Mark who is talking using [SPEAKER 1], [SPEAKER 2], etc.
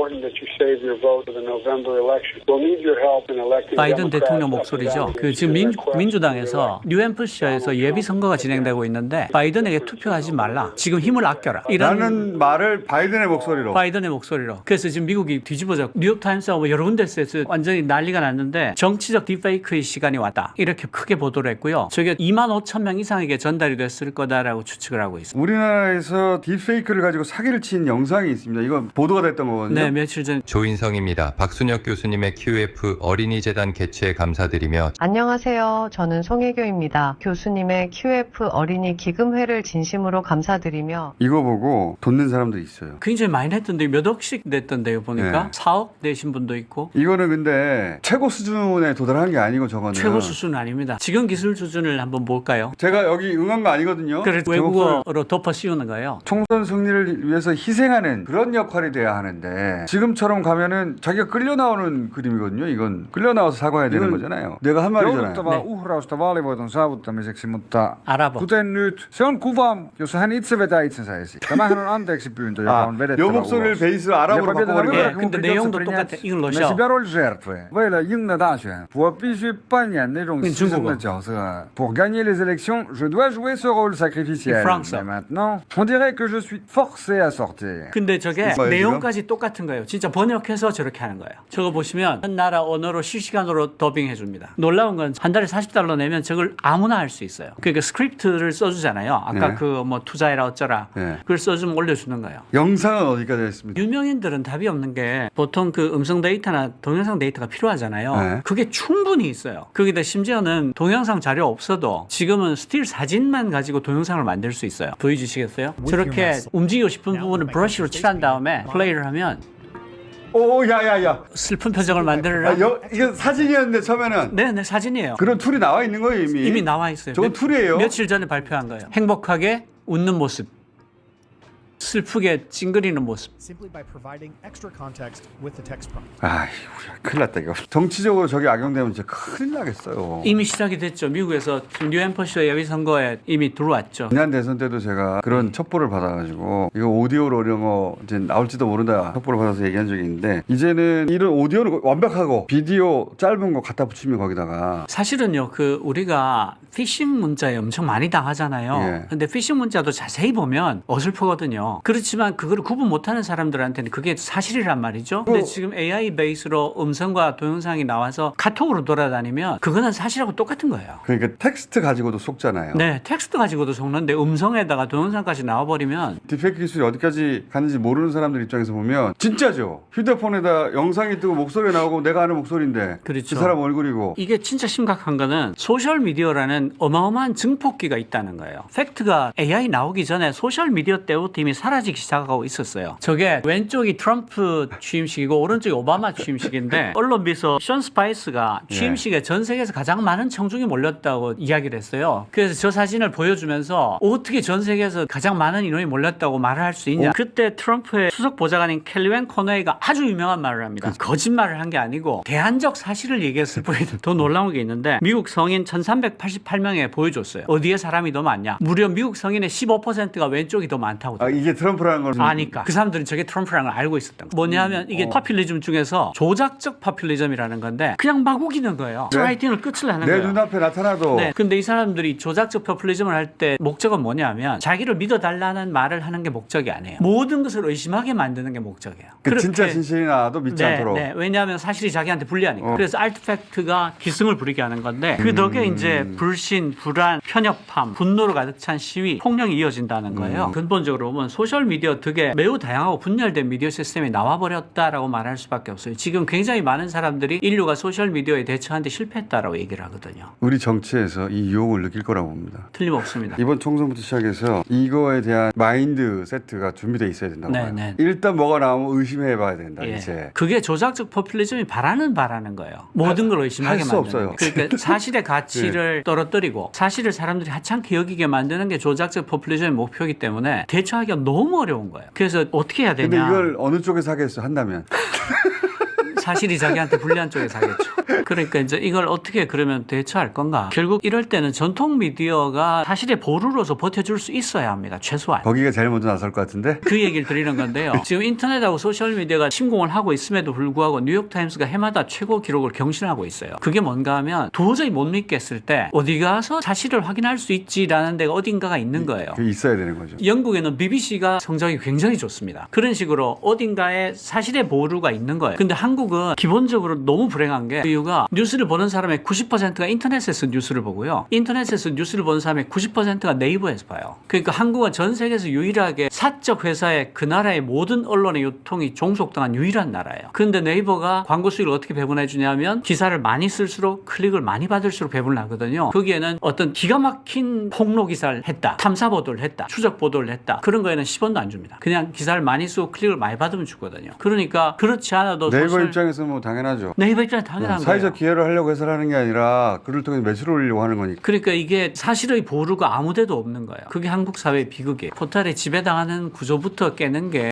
[SPEAKER 1] important that you save your vote for the November election. We'll need your help in electing
[SPEAKER 2] 바이든
[SPEAKER 1] Democrats
[SPEAKER 2] 대통령
[SPEAKER 1] up and
[SPEAKER 2] 목소리죠.
[SPEAKER 1] down
[SPEAKER 2] 그
[SPEAKER 1] the
[SPEAKER 2] 지금
[SPEAKER 1] issue.
[SPEAKER 2] 민주당에서 뉴햄프셔에서 예비 선거가 진행되고 있는데 바이든에게 투표하지 말라. 지금 힘을 아껴라. 이런
[SPEAKER 3] 라는 말을 바이든의 목소리로.
[SPEAKER 2] 바이든의 목소리로. 그래서 지금 미국이 뒤집어져 뉴욕타임스하고 뭐 여러 군데서 완전히 난리가 났는데 정치적 딥페이크의 시간이 왔다. 이렇게 크게 보도를 했고요. 저게 2만 5천 명 이상에게 전달이 됐을 거다라고 추측을 하고 있습니다.
[SPEAKER 3] 우리나라에서 딥페이크를 가지고 사기를 친 영상이 있습니다. 이거 보도가 됐던 거거든요.
[SPEAKER 2] 네, 며칠 전
[SPEAKER 4] 조인성입니다. 박순혁 교수님의 QF 어린이재단 개최에 감사드리며
[SPEAKER 5] 안녕하세요. 저는 송혜교입니다. 교수님의 QF 어린이 기금회를 진심으로 감사드리며
[SPEAKER 3] 이거 보고 돈 낸 사람도 있어요.
[SPEAKER 2] 굉장히 많이 냈던데 몇 억씩 냈던데요 보니까
[SPEAKER 3] 네.
[SPEAKER 2] 4억 내신 분도 있고
[SPEAKER 3] 이거는 근데 최고 수준에 도달한 게 아니고 저거는
[SPEAKER 2] 최고 수준은 아닙니다. 지금 기술 수준을 한번 볼까요?
[SPEAKER 3] 제가 여기 응한 거 아니거든요.
[SPEAKER 2] 그래서 외국어로 덮어 씌우는 거예요.
[SPEAKER 3] 총선 승리를 위해서 희생하는 그런 역할이 돼야 하는데 지금처럼 가면은 자기가 끌려 나오는 그림이거든요. 이건 끌려 나와서 사과해야 되는 거잖아요. 내가 한 말이잖아요.
[SPEAKER 6] Jouduttavaa uhrausta vaalivoiton saavuttamiseksi, mutta
[SPEAKER 2] 알아봐.
[SPEAKER 6] kuten nyt, se on kuva, jossa hän itse vetää itsensä esiin. Tämähän on anteeksi pyyntö, joka on vedettävä
[SPEAKER 3] 요 목소리를
[SPEAKER 6] ulos.
[SPEAKER 3] 베이스로 아랍으로 바꿔버린
[SPEAKER 2] 예,
[SPEAKER 3] 거예요.
[SPEAKER 2] 근데 내용도 똑같아. 이건 러시아.
[SPEAKER 6] 那是表rolls жертвы. 为了赢得大选，我必须扮演那种牺牲的角色。Pour gagner les élections, je dois jouer ce rôle sacrificiel. Mais maintenant, on dirait que je suis forcé à sortir.
[SPEAKER 2] 근데 저게
[SPEAKER 3] 뭐예요,
[SPEAKER 2] 내용까지 똑같은 거예요. 진짜 번역해서 저렇게 하는 거예요. 저거 보시면 한 나라 언어로 실시간으로 더빙해 줍니다. 놀라운 건 한 달에 $40 내면 저걸 아무나 할 수 있어요. 그러니까 스크립트를 써주잖아요. 아까
[SPEAKER 3] 네.
[SPEAKER 2] 그 뭐 투자해라 어쩌라.
[SPEAKER 3] 네.
[SPEAKER 2] 그걸 써주면 올려주는 거예요.
[SPEAKER 3] 영상은 어디까지 했습니다?
[SPEAKER 2] 유명인들은 답이 없는 게 보통 그 음성 데이터나 동영상 데이터가 필요하잖아요.
[SPEAKER 3] 네.
[SPEAKER 2] 그게 충분히 있어요. 거기다 심지어는 동영상 자료 없어도 지금은 스틸 사진만 가지고 동영상을 만들 수 있어요. 보여주시겠어요? 저렇게 움직이고 싶은 부분을 브러쉬로 칠한 다음에 플레이를 하면
[SPEAKER 3] 오, 야야야.
[SPEAKER 2] 슬픈 표정을 만들어라.
[SPEAKER 3] 이거 사진이었는데 처음에는
[SPEAKER 2] 네, 사진이에요.
[SPEAKER 3] 그런 툴이 나와 있는 거예요 이미.
[SPEAKER 2] 이미 나와 있어요.
[SPEAKER 3] 저건 툴이에요.
[SPEAKER 2] 며칠 전에 발표한 거예요. 행복하게 웃는 모습, 슬프게 찡그리는 모습.
[SPEAKER 7] simply by providing extra context with the text prompt.
[SPEAKER 3] 아이, 큰일 났다 이거. 정치적으로 저게 악용되면 진짜 큰일 나겠어요.
[SPEAKER 2] 이미 시작이 됐죠. 미국에서 지금 뉴햄퍼셔 예비 선거에 이미 들어왔죠.
[SPEAKER 3] 지난 대선 때도 제가 그런 첩보를 받아가지고 이거 오디오로 이런 거 이제 나올지도 모른다 첩보를 받아서 얘기한 적이 있는데 이제는 이런 오디오는 완벽하고 비디오 짧은 거 갖다 붙이면 거기다가
[SPEAKER 2] 사실은요, 그 우리가 피싱 문자에 엄청 많이 당하잖아요.
[SPEAKER 3] 예.
[SPEAKER 2] 근데 피싱 문자도 자세히 보면 어설프거든요. 그렇지만 그걸 구분 못하는 사람들한테는 그게 사실이란 말이죠. 근데 지금 AI 베이스로 음성과 동영상이 나와서 카톡으로 돌아다니면 그거는 사실하고 똑같은 거예요.
[SPEAKER 3] 그러니까 텍스트 가지고도 속잖아요.
[SPEAKER 2] 네, 텍스트 가지고도 속는데 음성에다가 동영상까지 나와버리면
[SPEAKER 3] 딥페이크 기술이 어디까지 가는지 모르는 사람들 입장에서 보면 진짜죠. 휴대폰에다 영상이 뜨고 목소리가 나오고 내가 아는 목소리인데
[SPEAKER 2] 그렇죠.
[SPEAKER 3] 그 사람 얼굴이고
[SPEAKER 2] 이게 진짜 심각한 거는 소셜미디어라는 어마어마한 증폭기가 있다는 거예요. 팩트가 AI 나오기 전에 소셜미디어 때부터 이미 사라지기 시작하고 있었어요. 저게 왼쪽이 트럼프 취임식이고 오른쪽이 오바마 취임식인데 언론 비서 션 스파이스가 취임식에 전 세계에서 가장 많은 청중이 몰렸다고 이야기를 했어요. 그래서 저 사진을 보여주면서 어떻게 전 세계에서 가장 많은 인원이 몰렸다고 말을 할 수 있냐. 그때 트럼프의 수석 보좌관인 켈리웬 코너이가 아주 유명한 말을 합니다. 거짓말을 한 게 아니고 대안적 사실을 얘기했을 뿐 더 놀라운 게 있는데 미국 성인 1388명에 보여줬어요. 어디에 사람이 더 많냐. 무려 미국 성인의 15%가 왼쪽이 더 많다고.
[SPEAKER 3] 이게 트럼프라는 걸
[SPEAKER 2] 아니까. 그 사람들은 저게 트럼프라는 걸 알고 있었던 거. 뭐냐면 이게 파퓰리즘 중에서 조작적 파퓰리즘이라는 건데 그냥 막 우기는 거예요. 라이팅을 끝을 하는
[SPEAKER 3] 내
[SPEAKER 2] 거예요.
[SPEAKER 3] 눈앞에 나타나도
[SPEAKER 2] 네. 근데 이 사람들이 조작적 포퓰리즘을 할 때 목적은 뭐냐면 자기를 믿어달라는 말을 하는 게 목적이 아니에요. 모든 것을 의심하게 만드는 게 목적이에요.
[SPEAKER 3] 그 진짜 진실이 나도 믿지 않도록.
[SPEAKER 2] 네. 왜냐하면 사실이 자기한테 불리하니까. 그래서 알트팩트가 기승을 부리게 하는 건데 그 덕에 이제 불신, 불안, 편협함, 분노로 가득 찬 시위, 폭력이 이어진다는 거예요. 근본적으로 보면 소셜미디어 덕에 매우 다양하고 분열된 미디어 시스템이 나와버렸다라고 말할 수밖에 없어요. 지금 굉장히 많은 사람들이 인류가 소셜미디어에 대처하는데 실패했다라고 얘기를 하거든요.
[SPEAKER 3] 우리 정치에서 이 유혹을 느낄 거라고 봅니다.
[SPEAKER 2] 틀림없습니다.
[SPEAKER 3] 이번 총선부터 시작해서 이거에 대한 마인드 세트가 준비되어 있어야 된다고 봐요.
[SPEAKER 2] 네.
[SPEAKER 3] 일단 뭐가 나오면 의심해봐야 된다.
[SPEAKER 2] 예.
[SPEAKER 3] 이제.
[SPEAKER 2] 그게 조작적 포퓰리즘이 바라는 거예요. 모든 걸 의심하게
[SPEAKER 3] 할수
[SPEAKER 2] 만드는
[SPEAKER 3] 없어요.
[SPEAKER 2] 그러니까 사실의 가치를 떨어뜨리고 사실을 사람들이 하찮게 여기게 만드는 게 조작적 포퓰리즘의 목표이기 때문에 대처하기가 너무 어려운 거예요. 그래서 어떻게 해야 되냐.
[SPEAKER 3] 근데 이걸 어느 쪽에서 하겠어 한다면
[SPEAKER 2] 사실이 자기한테 불리한 쪽에 사겠죠. 그러니까 이제 이걸 어떻게 그러면 대처할 건가? 결국 이럴 때는 전통 미디어가 사실의 보루로서 버텨줄 수 있어야 합니다. 최소한.
[SPEAKER 3] 거기가 제일 먼저 나설 것 같은데.
[SPEAKER 2] 그 얘기를 드리는 건데요. 지금 인터넷하고 소셜미디어가 침공을 하고 있음에도 불구하고 뉴욕타임스가 해마다 최고 기록을 경신하고 있어요. 그게 뭔가 하면 도저히 못 믿겠을 때 어디 가서 사실을 확인할 수 있지라는 데가 어딘가가 있는 거예요.
[SPEAKER 3] 그게 있어야 되는 거죠.
[SPEAKER 2] 영국에는 BBC가 성적이 굉장히 좋습니다. 그런 식으로 어딘가에 사실의 보루가 있는 거예요. 근데 한국은 기본적으로 너무 불행한 게 그 이유가 뉴스를 보는 사람의 90%가 인터넷에서 뉴스를 보고요. 인터넷에서 뉴스를 보는 사람의 90%가 네이버에서 봐요. 그러니까 한국은 전 세계에서 유일하게 사적 회사의 그 나라의 모든 언론의 유통이 종속당한 유일한 나라예요. 그런데 네이버가 광고 수익을 어떻게 배분해 주냐면 기사를 많이 쓸수록 클릭을 많이 받을수록 배분을 하거든요. 거기에는 어떤 기가 막힌 폭로 기사를 했다. 탐사 보도를 했다. 추적 보도를 했다. 그런 거에는 10원도 안 줍니다. 그냥 기사를 많이 쓰고 클릭을 많이 받으면 주거든요. 그러니까 그렇지 않아도
[SPEAKER 3] 네이버 입장에서 뭐 당연하죠.
[SPEAKER 2] 네이버 입장에 당연한 거예요.
[SPEAKER 3] 사회적 기회를 하려고 해서 하는 게 아니라 글을 통해서 매출을 올리려고 하는 거니까.
[SPEAKER 2] 그러니까 이게 사실의 보루가 아무 데도 없는 거예요. 그게 한국 사회의 비극이에요. 포탈에 지배당하는 구조부터 깨는 게